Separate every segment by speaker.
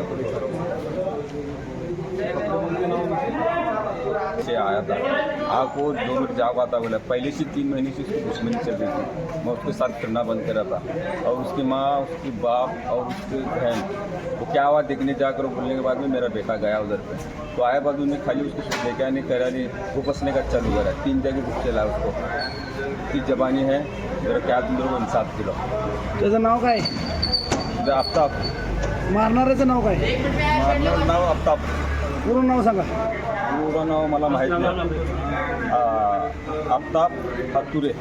Speaker 1: से आया था आपको 2 मिनट जाओ आता बोला। पहले से 3 महीने से उसकी दुश्मनी चल रही थी। मैं उसके साथ फिरना बंद करा था और उसकी माँ, उसकी बाप और उसकी बहन वो क्या हुआ देखने जाकर बोलने के बाद में मेरा बेटा गया उधर पे। तो आया बाद में खाली उसको देखा नहीं करा नहीं, वो बसने का चालू करा। 3 जगह बुक चला उसको। ती जबानी है जरा क्या तुम लोग इंसाफ केलं।
Speaker 2: त्याचं नाव काय?
Speaker 1: आफ्ताब,
Speaker 2: मारणाऱ्याचं नाव काय?
Speaker 1: मारणार नाव आफ्ताब,
Speaker 2: पूर्ण नाव सांगा.
Speaker 1: पूर्ण नाव मला माहीत नाही. आफ्ताब हातुरे.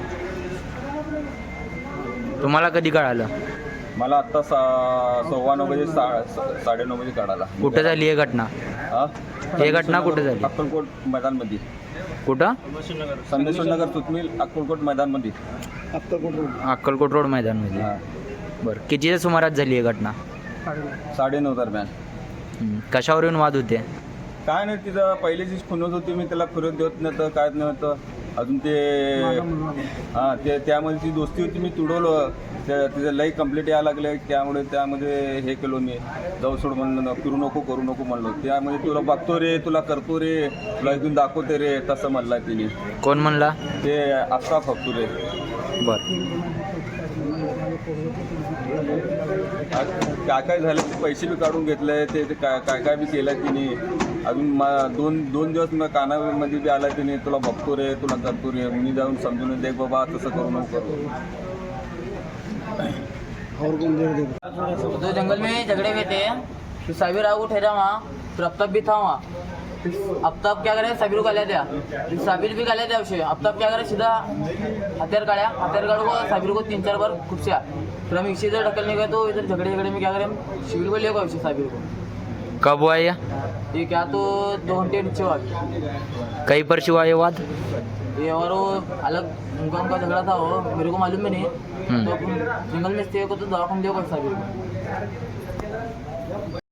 Speaker 3: तुम्हाला कधी कळालं?
Speaker 1: मला आत्ता 9:15 बजे 9:30 बजे कळाला.
Speaker 3: कुठे झाली ही घटना? ही घटना कुठे झाली?
Speaker 1: अक्कलकोट मैदानमध्ये.
Speaker 3: कुठं?
Speaker 1: संदेश्वर नगर सुतमिल अक्कलकोट मैदानमध्ये.
Speaker 3: अक्कलकोट रोड मैदानमध्ये. बरं, कितीच्या सुमारास झाली ही घटना?
Speaker 1: 9:30 दरम्यान.
Speaker 3: कशावर येऊन वाद होते?
Speaker 1: काय नाही, तिथं पहिल्याचीच खुनत होती. मी त्याला फिरत देत नव्हतं, काय नव्हतं अजून ते. हां, ते त्यामध्ये ती दोस्ती होती, मी तुडवलं. तिचं लई कंप्लीट यायला लागले, त्यामध्ये हे केलो मी. जाऊ सोड म्हणलं, फिरू नको, करू नको म्हणलो. त्यामध्ये तुला बघतो रे, तुला करतो रे, तुला इथून दाखवते रे, तसं म्हणला तिने.
Speaker 3: कोण म्हणला?
Speaker 1: ते आफ्ताब हातुरे.
Speaker 3: बरं,
Speaker 1: काय झालं, ते पैसे बी काढून घेतले, ते काय बी केलं तिने. अजून दोन दिवस मग कानामध्ये बी आला तिने, तुला बघतो रे, तुला करतो रे. मी जाऊन समजून देख बाबा, तसं करू नको.
Speaker 4: तो जंगल में झगड़े हुए थे, तो साबिर आगू ठहरा वहाँ, फिर आफ्ताब भी था वहाँ. फिर आफ्ताब क्या करे, साबिर को गालियाँ दिया, फिर साबिर भी गालियाँ दिया उसे. आफ्ताब क्या करे, सीधा हथियार काढ़ो को साबिर को 3-4 बार खुपसिया. फिर हम इसी इधर ढकलने गए तो इधर झगड़े में क्या करें, शिविर को ले गए उसे साबिर को.
Speaker 3: कब हुआ ये?
Speaker 4: ये क्या तो 2 घंटे नीचे हुआ.
Speaker 3: कहीं पर हुआ ये वाद?
Speaker 4: ये और वो अलग उनका झगड़ा था, वो मेरे को मालूम भी नहीं. तो जंगल में स्टे को तो दवा कम दिया साबिर को.